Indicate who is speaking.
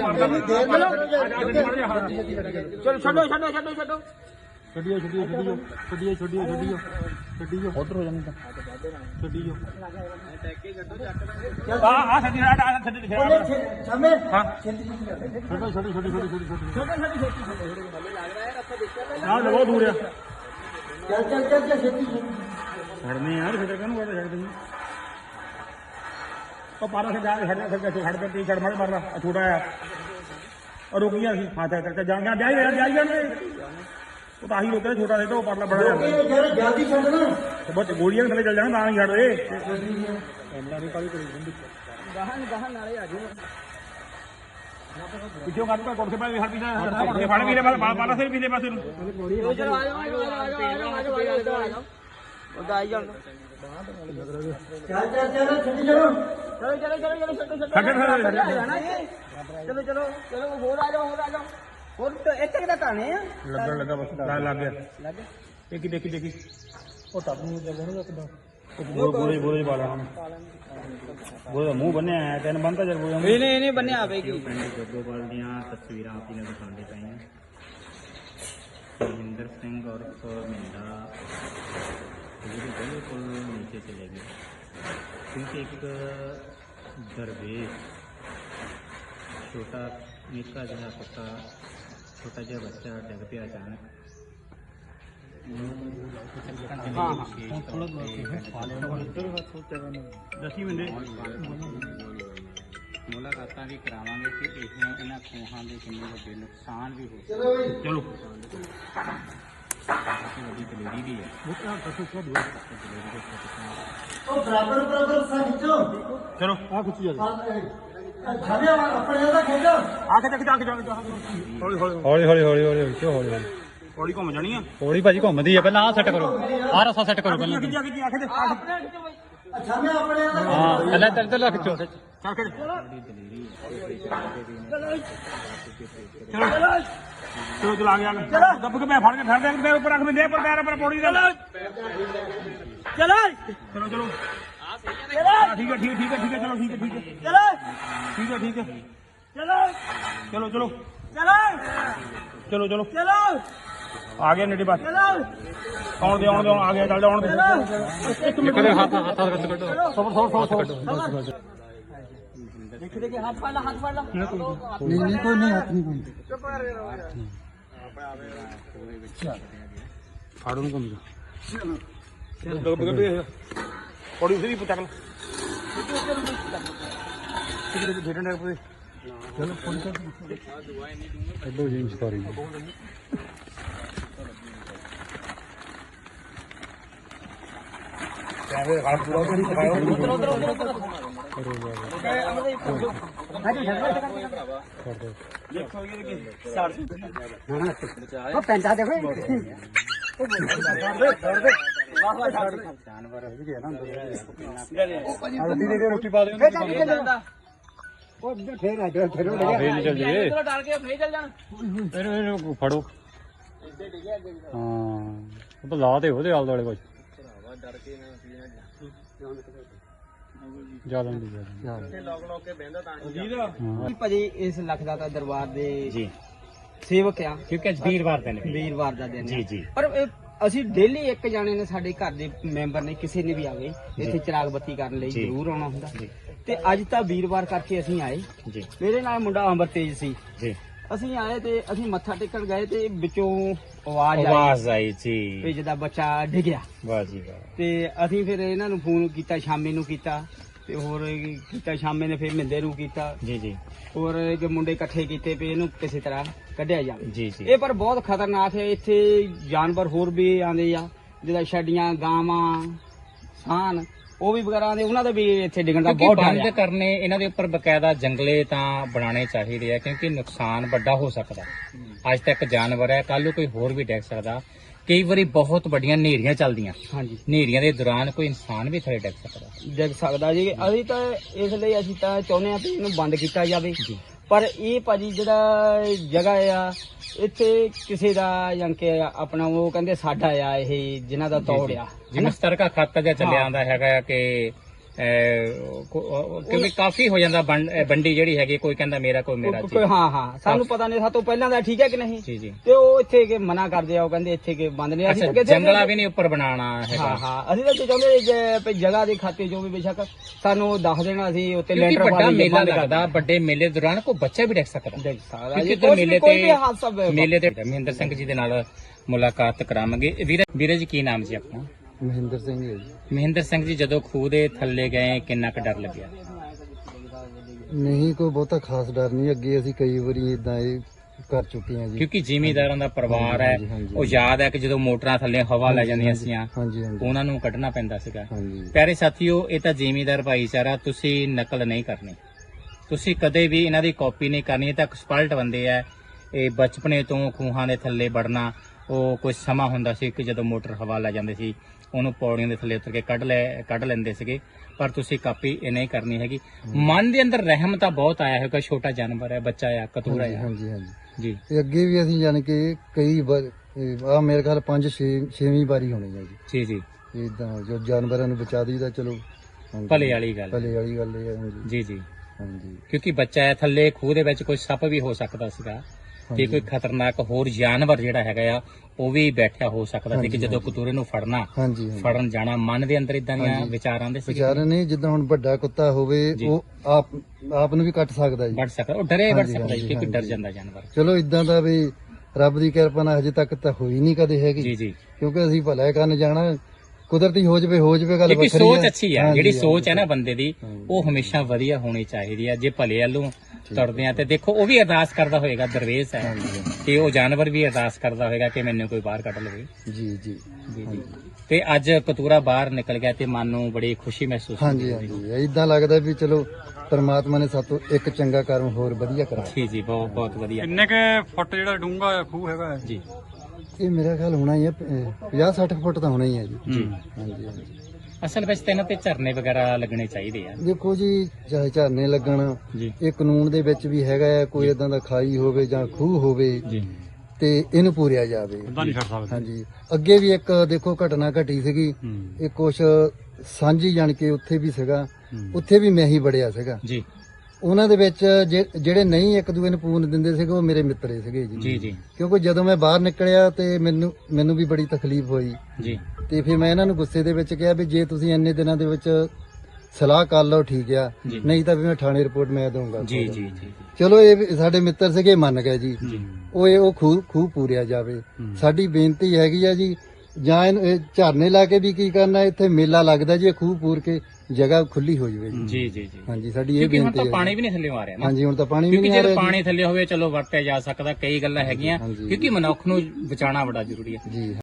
Speaker 1: ਛੱਡੋ ਛੱਡੋ ਛੱਡੋ ਛੱਡੋ
Speaker 2: ਛੱਡੀਓ ਉਧਰ ਹੋ ਜਾਂਦਾ ਛੱਡੀਓ
Speaker 1: ਆ ਛੱਡੀ
Speaker 3: ਛਾਮੇ
Speaker 1: ਹਾਂ
Speaker 2: ਛੱਡੋ ਛੱਡੀ
Speaker 1: ਆ ਬਹੁਤ ਦੂਰ ਆ
Speaker 3: ਚੱਲ ਛੇਤੀ
Speaker 1: ਛੱਡਨੇ ਯਾਰ ਫਿਰ ਕਾਹਨੂੰ ਕਰਦਾ ਛੱਡ ਦਿੰਦੇ ਉਹ ਪਾਰਾ ਸੇ ਜਾ ਕੇ ਛੱਡ ਦੇ ਟੀ-ਸ਼ਰਟ ਮਾਰ ਮਾਰਦਾ ਛੋਟਾ ਆ और रुक गया हाथ करके जाएंगे जाइए वो तो आही रोकते छोटा रहता वो परला बड़ा
Speaker 3: जल्दी छड़ना
Speaker 1: तो बस गोलियां थले चल जाना ना छड़ दे पिछो काट का कोर्से पे हर पीछे फाड़ पीले पाला से पीले पासे चलो आ जाओ वो दाई जाओ
Speaker 3: चल छड़ी चलो
Speaker 1: चलो
Speaker 3: और आ जाओ और तो एक तक आने हैं
Speaker 1: लगा बस लग गया देखी
Speaker 2: ਉਹ ਟੱਬ ਨੂੰ ਚੱਲਦਾ ਨਾ ਕਿਦਾਂ
Speaker 1: बोले वाला हम बोले मुंह बने आया तेन बनता चल बोले नहीं बने आवेगी
Speaker 4: जग्गोपाल दियां तस्वीरां आप इन्हें दिखाने पाई महेंद्र सिंह और मिंदा बिल्कुल नीचे चले गए क्योंकि एक दरवेश छोटा निक्का जहा पक्का छोटा जहा बच्चा डिग पिया अचानक मुलाकात भी करावे कि इन्होंने खूहां के किन्ने वड्डे नुकसान भी हो
Speaker 1: चलो
Speaker 4: वड्डी दलेरी भी है
Speaker 3: बराबर सा खिंचो
Speaker 1: चलो
Speaker 2: ਆ ਕੁਛ ਜਿਆਦਾ
Speaker 3: छामे अपने दा खिंचो
Speaker 1: आके हौली हौली घूम जानी है
Speaker 2: ਹੌਲੀ ਭਾਜੀ ਘੁੰਮਦੀ ਆ ਪਹਿਲਾਂ ਆ ਸੈੱਟ ਕਰੋ ਆ ਰਸਾ ਸੈੱਟ ਕਰੋ ਪਹਿਲਾਂ
Speaker 3: छामे अपने दा
Speaker 2: ਹਾਂ ਪਹਿਲਾਂ ਚੱਲ ਖਿੱਚੋ
Speaker 1: चलो चला गया दब के मैं फाड़ के ठहर दे मेरे ऊपर रख में दे पर पैर पर पौड़ी दे चलो चलो ठीक है चलो ठीक है चलो आ गया नेटी बात आउण दे आ गया चल जाओ
Speaker 2: हाथ कटो
Speaker 3: देखिए हाथ पाला
Speaker 2: नहीं कोई नहीं हाथ नहीं
Speaker 1: फाड़ू घूम जा पौड़ी उसे भी पचा कर
Speaker 2: चलो जी सॉरी
Speaker 3: पेंटा देखो
Speaker 2: रोटी पा दे
Speaker 3: फिर
Speaker 2: चल जाइए फड़ो हाँ तो ला दे आले दुआले कुछ ज्यादा
Speaker 3: ਭਾਜੀ ਇਸ ਲਖਦਾ ਤਾਂ ਦਰਬਾਰ ਦੇ ਜੀ ਸੇਵਕ ਆ
Speaker 4: क्योंकि वीरवार दिन
Speaker 3: ਵੀਰਵਾਰ ਦਾ ਦਿਨ
Speaker 4: जी जी
Speaker 3: ਪਰ ਅਸੀਂ ਡੇਲੀ ਇੱਕ ਜਾਣੇ ਨੇ ਸਾਡੇ ਘਰ ਦੇ ਮੈਂਬਰ ਨੇ ਕਿਸੇ ਨੇ ਵੀ ਆਵੇ ਇੱਥੇ ਚਿਰਾਗ ਬੱਤੀ ਕਰਨ ਲਈ ਜ਼ਰੂਰ ਆਉਣਾ ਹੁੰਦਾ ਤੇ ਅੱਜ ਤਾਂ ਵੀਰਵਾਰ ਕਰਕੇ ਅਸੀਂ ਆਏ
Speaker 4: जी
Speaker 3: ਮੇਰੇ ਨਾਲ ਮੁੰਡਾ ਅਮਰਤੇਜ ਸੀ
Speaker 4: जी
Speaker 3: ਅਸੀਂ ਆਏ ਤੇ ਅਸੀਂ ਮੱਥਾ ਟੇਕਣ ਗਏ ਤੇ ਵਿੱਚੋਂ ਆਵਾਜ਼
Speaker 4: आई जी
Speaker 3: ਵੀ ਜਿਹਦਾ ਬੱਚਾ ਡਿੱਗਿਆ
Speaker 4: वाह जी वाह
Speaker 3: ਤੇ ਅਸੀਂ ਫਿਰ ਇਹਨਾਂ ਨੂੰ ਫੋਨ ਕੀਤਾ ਸ਼ਾਮੇ ਨੂੰ ਕੀਤਾ ਤੇ ਹੋਰ ਕੀਤਾ ਸ਼ਾਮੇ ਨੇ ਫਿਰ ਮਿੰਦੇ ਨੂੰ ਕੀਤਾ
Speaker 4: जी जी
Speaker 3: ਹੋਰ ਕਿ ਮੁੰਡੇ ਇਕੱਠੇ ਕੀਤੇ ਵੀ ਇਹਨੂੰ ਕਿਸੇ ਤਰ੍ਹਾਂ ਕੱਢਿਆ ਜਾਵੇ
Speaker 4: जी जी
Speaker 3: ਇਹ ਪਰ ਬਹੁਤ ਖਤਰਨਾਕ ਹੈ ਇੱਥੇ ਜਾਨਵਰ ਹੋਰ ਵੀ ਆਉਂਦੇ ਆ ਜਿਹਦਾ ਛੱਡੀਆਂ ਗਾਵਾਂ ਸਾਨ ਉਹ ਵੀ ਵਗੈਰਾ ਆਉਂਦੇ ਉਹਨਾਂ ਦਾ ਵੀ ਇੱਥੇ ਡਿੱਗਣ ਦਾ ਬਹੁਤ ਡਰ
Speaker 4: ਬੰਦ
Speaker 3: ਹੈ
Speaker 4: ਕਰਨੇ ਇਹਨਾਂ ਦੇ ਉੱਪਰ ਬਕਾਇਦਾ ਜੰਗਲੇ ਤਾਂ ਬਣਾਉਣੇ ਚਾਹੀਦੇ ਆ ਕਿਉਂਕਿ ਨੁਕਸਾਨ ਵੱਡਾ ਹੋ ਸਕਦਾ ਅੱਜ ਤੱਕ ਜਾਨਵਰ ਹੈ ਕੱਲ ਨੂੰ ਕੋਈ ਹੋਰ ਵੀ ਡਿੱਗ ਸਕਦਾ ਕਈ ਵਾਰੀ ਬਹੁਤ ਵੱਡੀਆਂ ਹਨੇਰੀਆਂ ਚੱਲਦੀਆਂ
Speaker 3: ਹਾਂਜੀ
Speaker 4: ਹਨੇਰੀਆਂ ਦੇ ਦੌਰਾਨ ਕੋਈ ਇਨਸਾਨ ਵੀ ਥੱਲੇ ਡਿੱਗ ਸਕਦਾ
Speaker 3: ਡਿੱਗ ਸਕਦਾ ਜੀ ਅਸੀਂ ਤਾਂ ਇਸ ਲਈ ਅਸੀਂ ਤਾਂ ਚਾਹੁੰਦੇ ਆ ਵੀ ਇਹਨੂੰ ਬੰਦ ਕੀਤਾ ਜਾਵੇ
Speaker 4: ਜੀ
Speaker 3: ਪਰ ਇਹ ਭਾਜੀ ਜਿਹੜਾ ਜਗ੍ਹਾ ਆ ਇੱਥੇ ਕਿਸੇ ਦਾ ਜਾਂ ਕਿ ਆਪਣਾ ਉਹ ਕਹਿੰਦੇ ਸਾਡਾ ਆ ਇਹ ਜਿਨ੍ਹਾਂ ਦਾ ਤੋੜਿਆ
Speaker 4: ਜਿਵੇਂ ਸਤਰਕਾ ਖਾਤਾ ਜਿਹਾ ਚੱਲਿਆ ਆਂਦਾ ਹੈਗਾ ਆ ਕਿ ਕਿਉਂਕਿ ਕਾਫੀ ਹੋ ਜਾਂਦਾ ਬੰਡੀ ਜਿਹੜੀ ਹੈਗੀ, ਕੋਈ ਕਹਿੰਦਾ ਮੇਰਾ ਕੋਈ ਮੇਰਾ ਜੀ
Speaker 3: ਹਾਂ ਹਾਂ ਸਾਨੂੰ ਪਤਾ ਨਹੀਂ, ਸਾਤੋਂ ਪਹਿਲਾਂ ਦਾ ਠੀਕ ਹੈ ਕਿ ਨਹੀਂ।
Speaker 4: ਜੀ ਜੀ।
Speaker 3: ਤੇ ਉਹ ਇੱਥੇ ਕੇ ਮਨਾ ਕਰਦੇ ਆ, ਉਹ ਕਹਿੰਦੇ ਇੱਥੇ ਕੇ ਬੰਦ ਨਹੀਂ।
Speaker 4: ਅੱਛਾ, ਜੰਗਲਾ ਵੀ ਨਹੀਂ ਉੱਪਰ ਬਣਾਉਣਾ ਹੈਗਾ।
Speaker 3: ਹਾਂ ਹਾਂ, ਅਸੀਂ ਤਾਂ ਚਾਹੁੰਦੇ ਜੇ ਜਗ੍ਹਾ ਦੇ ਖਾਤੇ ਜੋ ਵੀ ਬੇਸ਼ੱਕ ਸਾਨੂੰ ਦੱਸ ਦੇਣਾ, ਅਸੀਂ ਉੱਤੇ
Speaker 4: ਕਿਉਂਕਿ
Speaker 3: ਲੈਂਟਰ
Speaker 4: ਵੱਡਾ ਮੇਲਾ ਲੱਗਦਾ, ਵੱਡੇ ਮੇਲੇ ਦੌਰਾਨ ਕੋਈ ਬੱਚਾ ਵੀ ਡਿੱਗ ਸਕਦਾ।
Speaker 3: ਦੇਖ ਸਕਦਾ
Speaker 4: ਕਿਉਂਕਿ
Speaker 3: ਜੀ,
Speaker 4: ਮੇਲੇ
Speaker 3: ਕੋਈ ਵੀ
Speaker 4: ਤੇ
Speaker 3: ਹਾਦਸਾ
Speaker 4: ਮੇਲੇ ਤੇ ਮਹਿੰਦਰ ਸਿੰਘ ਜੀ ਦੇ ਨਾਲ ਮੁਲਾਕਾਤ ਕਰਾਵਾਂਗੇ। ਵੀਰੇ ਜੀ ਕੀ ਨਾਮ ਜੀ ਆਪਣਾ?
Speaker 2: ਮਹਿੰਦਰ ਸਿੰਘ ਹੈ ਜੀ।
Speaker 4: ਮਹਿੰਦਰ ਸਿੰਘ ਜੀ, ਜਦੋਂ ਖੂਹ ਦੇ ਥੱਲੇ ਗਏ ਕਿੰਨਾ ਕੁ ਡਰ ਲੱਗਿਆ?
Speaker 2: ਨਹੀਂ ਕੋਈ ਬਹੁਤਾ ਖਾਸ ਡਰ ਨਹੀਂ, ਅੱਗੇ ਅਸੀਂ ਕਈ ਵਾਰੀ ਇਦਾਂ ਇਹ ਕਰ ਚੁੱਕੇ ਹਾਂ ਜੀ।
Speaker 4: ਕਿਉਂਕਿ ਜ਼ਿਮੀਂਦਾਰਾਂ ਦਾ ਪਰਿਵਾਰ ਹੈ,
Speaker 2: ਹਾਂਜੀ, ਹਾਂਜੀ।
Speaker 4: ਉਹ ਯਾਦ ਹੈ ਕਿ ਜਦੋਂ ਮੋਟਰਾਂ ਥੱਲੇ ਹਵਾ ਲੈ ਜਾਂਦੀਆਂ ਸੀਆਂ,
Speaker 2: ਹਾਂਜੀ ਹਾਂਜੀ
Speaker 4: ਉਹਨਾਂ ਨੂੰ ਕੱਢਣਾ ਪੈਂਦਾ ਸੀਗਾ।
Speaker 2: ਹਾਂਜੀ
Speaker 4: ਪਿਆਰੇ ਸਾਥੀਓ, ਇਹ ਤਾਂ ਜ਼ਿਮੀਂਦਾਰ ਭਾਈਚਾਰਾ, ਤੁਸੀਂ ਨਕਲ ਨਹੀਂ ਕਰਨੀ, ਤੁਸੀਂ ਕਦੇ ਵੀ ਇਹਨਾਂ ਦੀ ਕਾਪੀ ਨਹੀਂ ਕਰਨੀ। ਇਹ ਤਾਂ ਐਕਸਪਰਟ ਬੰਦੇ ਆ। ਇਹ ਬਚਪਨੇ ਤੋਂ ਖੂਹਾਂ ਦੇ ਥੱਲੇ ਵੜਨਾ, ਉਹ ਕੁਝ ਸਮਾਂ ਹੁੰਦਾ ਸੀ ਕਿ ਜਦੋਂ ਮੋਟਰ ਹਵਾ ਲੈ ਜਾਂਦੇ ਸੀ, ਉਹਨੂੰ ਪੌੜੀਆਂ ਦੇ ਥੱਲੇ ਉਤਰ ਕੇ ਕੱਢ ਲੈਂਦੇ ਸੀਗੇ। ਪਰ ਤੁਸੀਂ ਕਾਪੀ ਇਹ ਨਹੀਂ ਕਰਨੀ ਹੈਗੀ। ਮਨ ਦੇ ਅੰਦਰ ਰਹਿਮ ਤਾਂ ਬਹੁਤ ਆਇਆ ਹੋਵੇਗਾ, ਛੋਟਾ ਜਾਨਵਰ ਹੈ, ਬੱਚਾ ਆ, ਕਤੂਰਾ ਆ।
Speaker 2: ਹਾਂਜੀ ਹਾਂਜੀ
Speaker 4: ਜੀ।
Speaker 2: ਤੇ ਅੱਗੇ ਵੀ ਅਸੀਂ ਜਾਣ ਕੇ ਕਈ ਵਾਰ ਆ ਮੇਰੇ ਖਿਆਲ 5-6ਵੀਂ ਵਾਰੀ ਹੋਣੀ ਹੈ ਜੀ।
Speaker 4: ਜੀ ਜੀ।
Speaker 2: ਇਦਾਂ ਜੋ ਜਾਨਵਰਾਂ ਨੂੰ ਬਚਾ ਦਈਦਾ, ਚਲੋ ਹਾਂਜੀ।
Speaker 4: ਭਲੇ ਵਾਲੀ ਗੱਲ।
Speaker 2: ਭਲੇ ਵਾਲੀ ਗੱਲ ਇਹ ਹੈ ਹਾਂਜੀ।
Speaker 4: ਜੀ ਜੀ।
Speaker 2: ਹਾਂਜੀ
Speaker 4: ਕਿਉਂਕਿ ਬੱਚਾ ਹੈ ਥੱਲੇ, ਖੂਹ ਦੇ ਵਿੱਚ ਕੋਈ ਸੱਪ ਵੀ ਹੋ ਸਕਦਾ ਸੀਗਾ, ਤੇ ਕੋਈ ਖਤਰਨਾਕ ਹੋਰ ਜਾਨਵਰ ਜਿਹੜਾ ਹੈਗਾ ਆ ਉਹ ਵੀ ਬੈਠਿਆ ਹੋ ਸਕਦਾ ਸੀ ਕਿ ਜਦੋਂ ਕਤੂਰੇ ਨੂੰ ਫੜਨਾ,
Speaker 2: ਹਾਂਜੀ
Speaker 4: ਫੜਨ ਜਾਣਾ, ਮਨ ਦੇ ਅੰਦਰ ਇਦਾਂ ਦੀਆਂ ਵਿਚਾਰ ਆਉਂਦੇ ਸੀ।
Speaker 2: ਵਿਚਾਰੇ ਨੇ ਜਿੱਦਾਂ ਹੁਣ ਵੱਡਾ ਕੁੱਤਾ ਹੋਵੇ, ਉਹ ਆਪ ਨੂੰ ਵੀ ਕੱਟ ਸਕਦਾ ਜੀ।
Speaker 4: ਵੱਢ ਸਕਦਾ, ਉਹ ਡਰੇ ਵੱਢ
Speaker 2: ਹਾਂਜੀ,
Speaker 4: ਸਕਦਾ ਜੀ, ਕਿਉਂਕਿ
Speaker 2: ਹਾਂਜੀ,
Speaker 4: ਡਰ
Speaker 2: ਹਾਂਜੀ।
Speaker 4: ਜਾਂਦਾ ਜਾਨਵਰ।
Speaker 2: ਚਲੋ ਇਦਾਂ ਦਾ ਵੀ ਰੱਬ ਦੀ ਕਿਰਪਾ ਨਾਲ ਹਜੇ ਤੱਕ ਤਾਂ ਹੋਈ ਨਹੀਂ ਕਦੇ ਹੈਗੀ,
Speaker 4: ਜੀ ਜੀ।
Speaker 2: ਕਿਉਂਕਿ ਅਸੀਂ ਭਲਾ ਕਰਨ ਜਾਣਾ, ਕੁਦਰਤੀ ਹੋ ਜਵੇ ਗੱਲ
Speaker 4: ਕਿਉਂਕਿ
Speaker 2: ਵੱਖਰੀ
Speaker 4: ਸੋਚ
Speaker 2: ਹੈ।
Speaker 4: ਅੱਛੀ ਹੈ,
Speaker 2: ਹਾਂਜੀ,
Speaker 4: ਜਿਹੜੀ
Speaker 2: ਹਾਂਜੀ,
Speaker 4: ਸੋਚ ਹੈ ਨਾ ਬੰਦੇ ਦੀ, ਉਹ ਹਮੇਸ਼ਾ ਵਧੀਆ ਹੋਣੀ ਚਾਹੀਦੀ ਹੈ। ਜੇ ਭਲੇ ਵੱਲੋਂ ਤੁਰਦੇ ਆ ਤੇ ਦੇਖੋ, ਉਹ ਵੀ ਅਰਦਾਸ ਕਰਦਾ ਹੋਏਗਾ, ਦਰਵੇਸ਼ ਹੈ, ਤੇ ਉਹ ਜਾਨਵਰ ਵੀ ਅਰਦਾਸ ਕਰਦਾ ਹੋਏਗਾ ਕਿ ਮੈਨੂੰ ਕੋਈ ਬਾਹਰ ਕੱਢ ਲਵੇ।
Speaker 2: ਜੀ ਜੀ
Speaker 4: ਜੀ ਜੀ। ਤੇ ਅੱਜ ਕਤੂਰਾ ਬਾਹਰ ਨਿਕਲ ਗਿਆ ਤੇ ਮਨ ਨੂੰ ਬੜੀ ਖੁਸ਼ੀ ਮਹਿਸੂਸ
Speaker 2: ਹਾਂਜੀ ਹਾਂਜੀ, ਇਦਾਂ ਲੱਗਦਾ ਵੀ ਚਲੋ ਪਰਮਾਤਮਾ ਨੇ ਸਾਤੋਂ ਇੱਕ ਚੰਗਾ ਕਰਮ ਹੋਰ ਵਧੀਆ ਕਰਾ।
Speaker 4: ਜੀ ਜੀ, ਬਹੁਤ ਬਹੁਤ ਵਧੀਆ।
Speaker 5: ਕਿੰਨੇ ਕੇ ਫੁੱਟ ਜਿਹੜਾ ਡੂੰਘਾ ਖੂਹ ਹੈਗਾ
Speaker 4: ਜੀ
Speaker 2: ਇਹ ਮੇਰਾ ਖਿਆਲ ਹੋਣਾ ਹੀ ਹੈ 50-60 ਫੁੱਟ ਤਾਂ ਹੋਣਾ ਹੀ ਹੈ ਜੀ।
Speaker 4: ਜੀ।
Speaker 2: ਹਾਂਜੀ ਹਾਂਜੀ।
Speaker 4: ਅਸਲ ਵਿੱਚ ਤਾਂ ਇਹਨਾਂ ਤੇ ਝਰਨੇ ਵਗੈਰਾ ਲੱਗਣੇ ਚਾਹੀਦੇ ਆ।
Speaker 2: ਦੇਖੋ ਜੀ, ਚਾਹੇ ਝਰਨੇ ਲੱਗਣ,
Speaker 4: ਜੀ
Speaker 2: ਇਹ ਕਾਨੂੰਨ ਦੇ ਵਿੱਚ ਵੀ ਹੈਗਾ ਹੈ, ਕੋਈ ਇਦਾਂ ਦਾ ਖਾਈ ਹੋਵੇ ਜਾਂ ਖੂਹ ਹੋਵੇ
Speaker 4: ਜੀ।
Speaker 2: ਤੇ ਇਹਨੂੰ ਪੂਰਿਆ ਜਾਵੇ।
Speaker 5: ਬੰਦਾ ਨਹੀਂ ਛੱਡ ਸਕਦਾ।
Speaker 2: ਹਾਂਜੀ, ਅੱਗੇ ਵੀ ਇੱਕ ਦੇਖੋ ਘਟਨਾ ਘਟੀ ਸੀਗੀ, ਇਹ ਕੁਛ ਸਾਂਝੀ ਜਾਣ ਕੇ ਉੱਥੇ ਵੀ ਸੀਗਾ, ਉੱਥੇ ਵੀ ਮੈਂ ਹੀ ਬੜਿਆ ਸੀਗਾ।
Speaker 4: ਜੀ
Speaker 2: ਉਹਨਾਂ ਦੇ ਵਿੱਚ ਜਿਹੜੇ ਨਹੀਂ ਇੱਕ ਦੂਏ ਨੂੰ ਪੂਰਨ ਦਿੰਦੇ ਸੀਗੇ, ਉਹ ਮੇਰੇ ਮਿੱਤਰੇ ਸੀਗੇ ਜੀ।
Speaker 4: ਜੀ ਜੀ
Speaker 2: ਕਿਉਂਕਿ ਜਦੋਂ ਮੈਂ ਬਾਹਰ ਨਿਕਲਿਆ ਤੇ ਮੈਨੂੰ ਵੀ ਬੜੀ ਤਕਲੀਫ ਹੋਈ,
Speaker 4: ਜੀ।
Speaker 2: ਤੇ ਫਿਰ ਮੈਂ ਇਹਨਾਂ ਨੂੰ ਗੁੱਸੇ ਦੇ ਵਿੱਚ ਕਿਹਾ ਵੀ ਜੇ ਤੁਸੀਂ ਇੰਨੇ ਦਿਨਾਂ ਦੇ ਵਿੱਚ ਸਲਾਹ ਕਰ ਲਓ ਠੀਕ ਆ, ਨਹੀਂ ਤਾਂ ਵੀ ਮੈਂ ਥਾਣੇ ਰਿਪੋਰਟ ਮੈਂ ਦਊਂਗਾ।
Speaker 4: ਜੀ ਜੀ ਜੀ।
Speaker 2: ਚਲੋ ਇਹ ਵੀ ਸਾਡੇ ਮਿੱਤਰ ਸੀਗੇ, ਮੰਨ ਗਏ ਜੀ। ਉਹ ਖੂਹ ਪੂਰਿਆ ਜਾਵੇ। ਸਾਡੀ ਬੇਨਤੀ ਹੈਗੀ ਆ ਜੀ, ਜਾਂ ਇਹ ਝਰਨੇ ਲਾ ਕੇ ਵੀ ਕੀ ਕਰਨਾ, ਇੱਥੇ ਮੇਲਾ ਲੱਗਦਾ ਜੀ, ਇਹ ਖੂਹ ਪੂਰ ਕੇ ਜਗ੍ਹਾ ਖੁੱਲੀ ਹੋ ਜਾਵੇ ਜੀ।
Speaker 4: ਜੀ ਜੀ ਜੀ।
Speaker 2: ਹਾਂਜੀ, ਸਾਡੀ ਇਹ
Speaker 4: ਕਿਉਂਕਿ ਹੁਣ
Speaker 2: ਬੇਨਤੀ
Speaker 4: ਤਾਂ
Speaker 2: ਹੈ।
Speaker 4: ਪਾਣੀ ਵੀ ਨਹੀਂ ਥੱਲੇ ਆ ਰਿਹਾ ਨਾ।
Speaker 2: ਹਾਂਜੀ, ਹੁਣ ਤਾਂ ਪਾਣੀ ਵੀ
Speaker 4: ਕਿਉਂਕਿ
Speaker 2: ਨਹੀਂ ਆ
Speaker 4: ਜੇ
Speaker 2: ਰਿਹਾ
Speaker 4: ਪਾਣੀ ਥੱਲੇ ਹੋਵੇ ਚਲੋ ਵਰਤਿਆ ਜਾ ਸਕਦਾ, ਕਈ ਗੱਲਾਂ ਹੈਗੀਆਂ,
Speaker 2: ਹਾਂਜੀ।
Speaker 4: ਕਿਉਂਕਿ ਮਨੁੱਖ ਨੂੰ ਬਚਾਉਣਾ ਬੜਾ ਜ਼ਰੂਰੀ ਹੈ।
Speaker 2: ਜੀ।